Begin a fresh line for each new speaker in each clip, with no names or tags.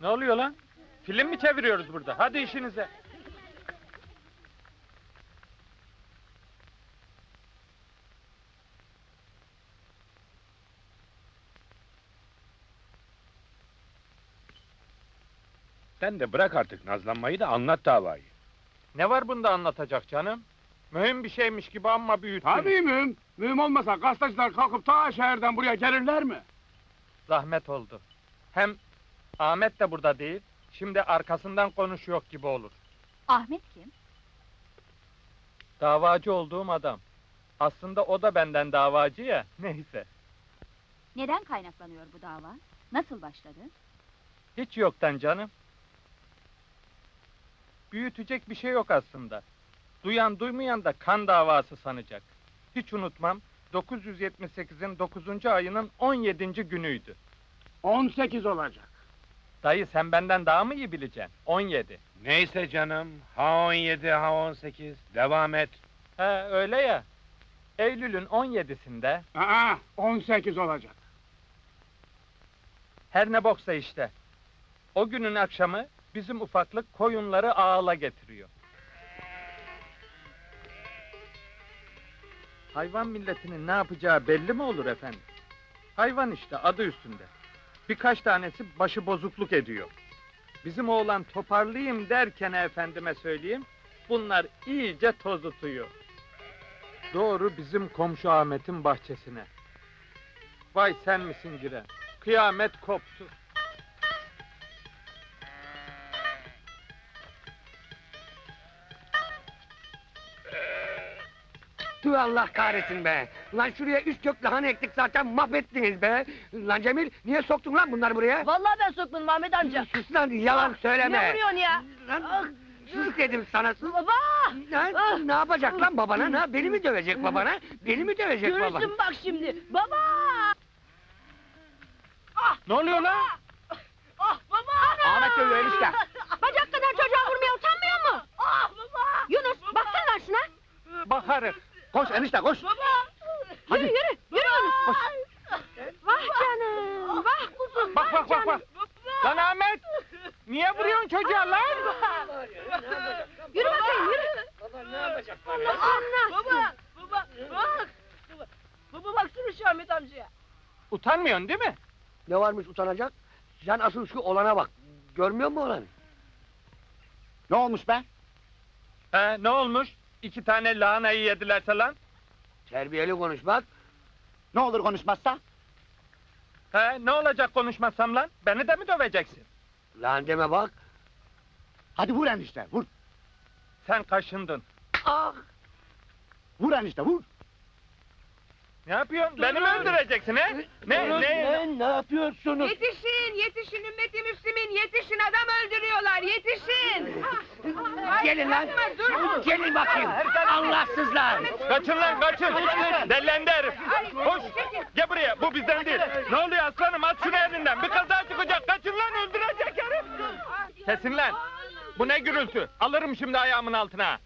Ne oluyor lan? Film mi çeviriyoruz burada? Hadi işinize.
Sen de bırak artık nazlanmayı da anlat davayı.
Ne var bunda anlatacak canım? Mühim bir şeymiş gibi amma büyüttün.
Tabii mühim. Mühim olmasa gazeteciler kalkıp ta şehirden buraya gelirler mi?
Zahmet oldu. Hem Ahmet de burada değil. Şimdi arkasından konuşuyor gibi olur.
Ahmet kim?
Davacı olduğum adam. Aslında o da benden davacı ya. Neyse.
Neden kaynaklanıyor bu dava? Nasıl başladı?
Hiç yoktan canım. Büyütecek bir şey yok aslında. Duyan duymayan da kan davası sanacak. Hiç unutmam, 978'in 9. ayının 17. günüydü.
18 olacak.
Dayı sen benden daha mı iyi bileceksin? 17.
Neyse canım, ha 17 ha 18, devam et.
He öyle ya. Eylül'ün 17'sinde
Aa, 18 olacak.
her ne boksa işte. O günün akşamı bizim ufaklık koyunları ağala getiriyor. Hayvan milletinin ne yapacağı belli mi olur efendim? Hayvan işte adı üstünde. Birkaç tanesi başı bozukluk ediyor. Bizim oğlan toparlayayım derken efendime söyleyeyim, bunlar iyice tozutuyor. Doğru bizim komşu Ahmet'in bahçesine. Vay sen misin giren? Kıyamet koptu.
Tüh Allah kahretsin be! Lan şuraya üç kök lahana ektik zaten mahvettiniz be! Lan Cemil, niye soktun lan bunları buraya?
Vallahi ben sokmadım Ahmet amca.
Sus lan, yalan söyleme!
Ne vuruyorsun ya?
Lan, sus dedim sana, sus!
Baba!
Lan, ne yapacak lan babana, ha? Beni mi dövecek babana? Beni mi dövecek baba?
Görürsün bak şimdi. Baba!
Ne oluyor lan?
Ah baba!
Ahmet dövüyor enişte!
Bacak kadar çocuğa vurmaya utanmıyor mu? Ah baba! Yunus baksana lan şuna!
Bakarız.
Koş enişte, koş!
Baba! Yürü yürü! Yürü Yunus! Vah canım! Vah kuzum!
Bak bak bak bak! Lan Ahmet! Niye vuruyorsun çocuğa lan?
Yürü bakayım yürü!
Baba ne yapacak
Allah anlatsın! Baba! Baba! Bak! Baba baksana şu Ahmet amcaya!
Utanmıyorsun değil mi?
Ne varmış utanacak? Sen asıl şu olana bak! Görmüyor musun olanı?
Ne olmuş be?
He ne olmuş? 2 tane lahanayı yedilerse lan?
Terbiyeli konuş bak!
Ne olur konuşmazsa?
He ne olacak konuşmazsam lan? Beni de mi döveceksin?
Lan deme bak!
Hadi vur enişte, vur.
Sen kaşındın.
Ah!
Vur enişte, vur.
Ne yapıyorsun? Beni mi öldüreceksin he? Ne?
Ne yapıyorsunuz?
Yetişin! Yetişin ümmeti müslimin! Yetişin adam öldürüyorlar! Yetişin!
Gelin lan! Gelin bakayım! Allahsızlar!
Kaçın lan kaçın! Dellendi herif! Koş! Gel buraya bu bizden değil! Ne oluyor aslanım at şunu elinden! Bir kaza çıkacak! Kaçın lan öldürecek herif! Kesin lan! Bu ne gürültü? Alırım şimdi ayağımın altına!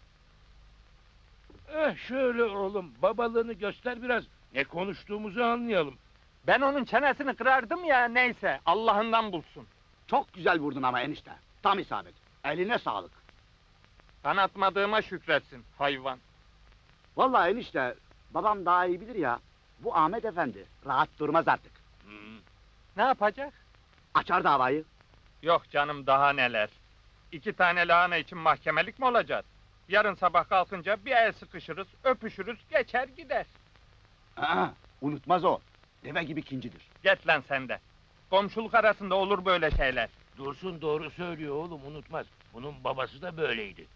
Şöyle oğlum, babalığını göster biraz. Ne konuştuğumuzu anlayalım.
Ben onun çenesini kırardım ya neyse Allah'ından bulsun.
Çok güzel vurdun ama enişte. Tam isabet. Eline sağlık.
Ben atmadığıma şükretsin hayvan.
Vallahi enişte, babam daha iyi bilir ya. Bu Ahmet Efendi rahat durmaz artık.
Ne yapacak?
Açar davayı.
Yok canım daha neler. 2 tane lahana için mahkemelik mi olacağız? Yarın sabah kalkınca bir el sıkışırız, öpüşürüz, geçer gider.
Aa, unutmaz o. Deve gibi kincidir.
Get lan sen de. Komşuluk arasında olur böyle şeyler.
Dursun doğru söylüyor oğlum, unutmaz. Bunun babası da böyleydi.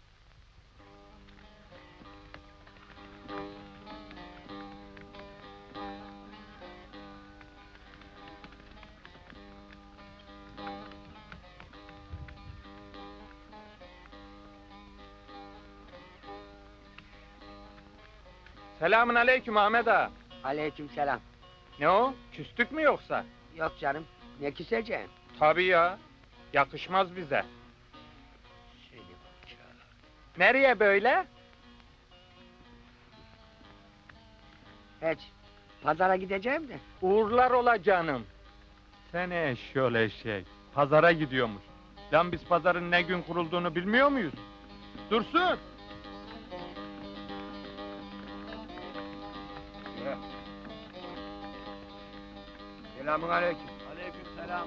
Selamün aleyküm Ahmet ağa.
Aleykümselam.
Ne o? Küstük mü yoksa?
Yok canım, ne küseceğim?
Tabii ya. Yakışmaz bize.
Seni bıçağı.
Nereye böyle?
Hiç. Pazara gideceğim de.
Uğurlar ola canım. Seni eşyol eşek. Pazara gidiyormuş. Lan biz pazarın ne gün kurulduğunu bilmiyor muyuz? Dursun!
Selamun aleyküm.
Aleykümselam.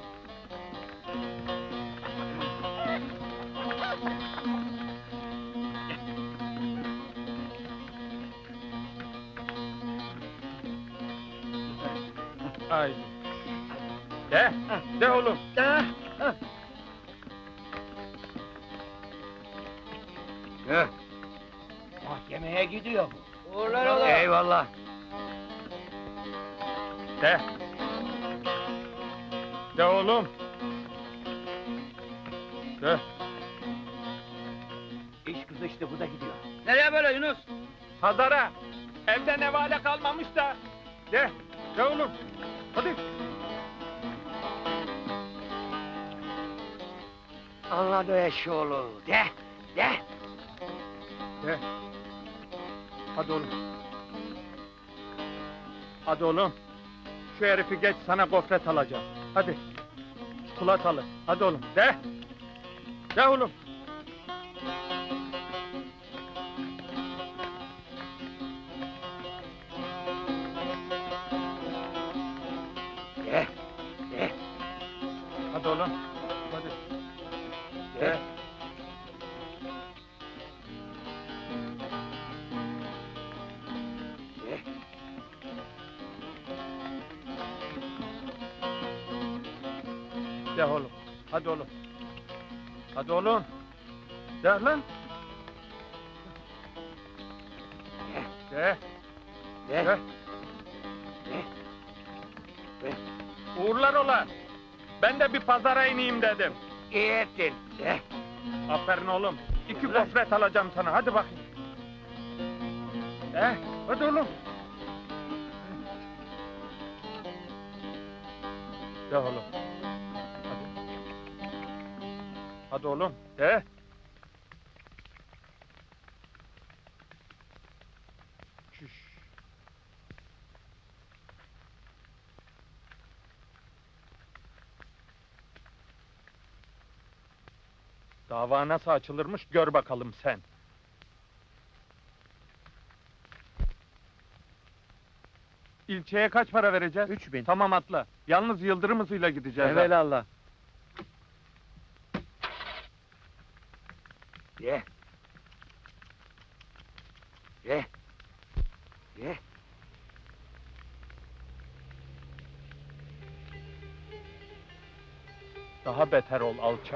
Haydi. De oğlum.
Heh.
Mahkemeye gidiyor bu.
Eyvallah.
De. De oğlum. De.
İş kızıştı, bu da gidiyor.
Nereye böyle Yunus?
Pazara. Evde nevale kalmamış da. De. De oğlum. Hadi.
Anladı eşoğlu. De.
De. Hadi oğlum. Hadi oğlum. Şu herifi geç, sana gofret alacağım. Hadi. Çikolatalı. Hadi oğlum. De. De oğlum.
De. De.
Hadi oğlum. Hadi. De.
De.
De oğlum. Hadi oğlum. Hadi oğlum. De lan. De.
De.
De.
De.
Uğurlar ola. Ben de bir pazara ineyim dedim.
İyi ettin. De.
Aferin oğlum. 2 gofret alacağım sana. Hadi bakayım. Hadi oğlum. De oğlum. Hadi. Hadi oğlum. De. Şuş. Dava nasıl açılırmış gör bakalım sen. İlçeye kaç para vereceğiz?
3000.
Tamam atla. Yalnız yıldırım hızıyla gideceğiz. ha.
Evelallah.
De. De. De.
Daha beter ol alçak.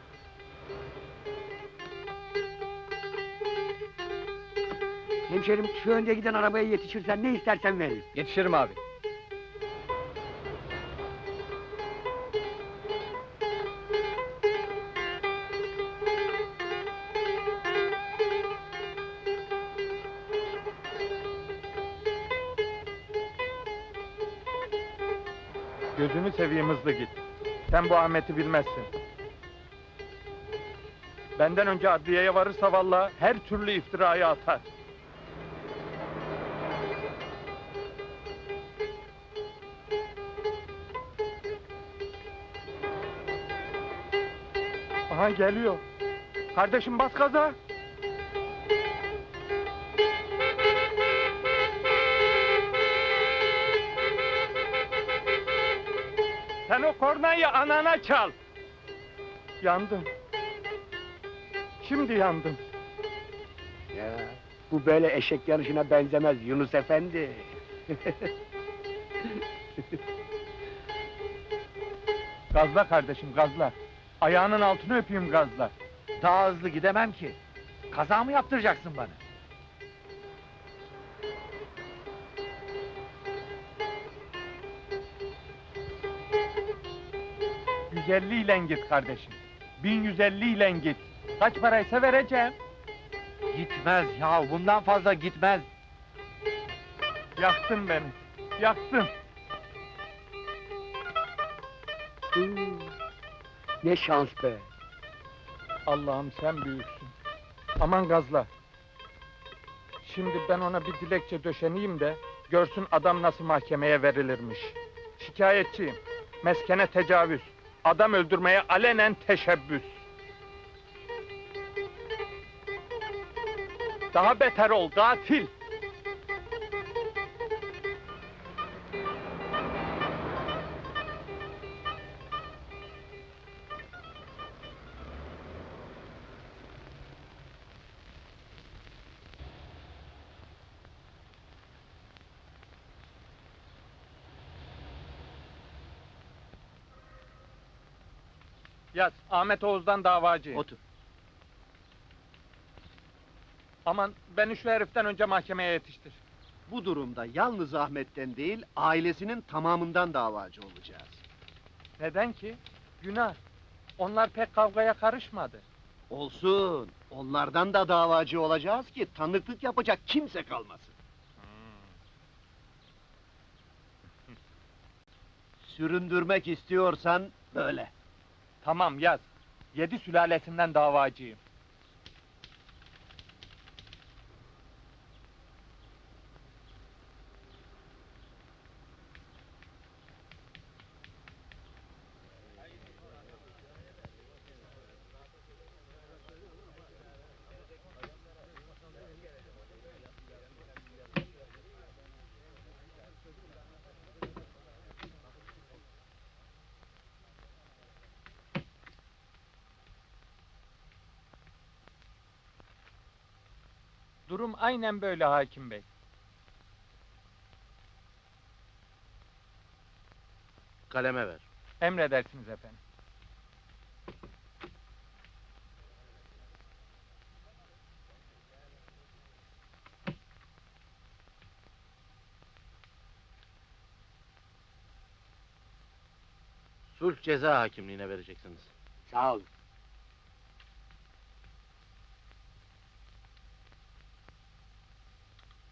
Hemşerim şu önde giden arabaya yetişirsen ne istersen veririm.
Yetişirim abi.
Gözünü seveyim hızlı git. Sen bu Ahmet'i bilmezsin. Benden önce adliyeye varırsa vallahi her türlü iftirayı atar. Aha geliyor. Kardeşim bas gaza. Sen o kornayı anana çal. Yandım. Şimdi yandım.
Ya, bu böyle eşek yarışına benzemez Yunus Efendi.
Gazla kardeşim gazla. Ayağının altını öpeyim gazla.
Daha hızlı gidemem ki. Kaza mı yaptıracaksın bana?
%150 ile git kardeşim. 1150 ile git. Kaç paraysa vereceğim.
Gitmez ya, bundan fazla gitmez.
Yaktın beni. Yaktın.
Ne şans be.
Allah'ım sen büyüksün. Aman gazla. Şimdi ben ona bir dilekçe döşeneyim de görsün adam nasıl mahkemeye verilirmiş. Şikayetçiyim. Meskene tecavüz. Adam öldürmeye alenen teşebbüs. Daha beter ol, katil! Yaz, Ahmet Oğuz'dan davacıyım.
Otur.
Aman, beni şu heriften önce mahkemeye yetiştir.
Bu durumda yalnız Ahmet'ten değil, ailesinin tamamından davacı olacağız.
Neden ki? Günah. Onlar pek kavgaya karışmadı.
Olsun, onlardan da davacı olacağız ki tanıklık yapacak kimse kalmasın. Süründürmek istiyorsan böyle.
Tamam, yaz. 7 sülalesinden davacıyım. Durum aynen böyle hakim bey.
Kaleme ver.
Emredersiniz efendim.
Sulh ceza hakimliğine vereceksiniz.
Sağ olun.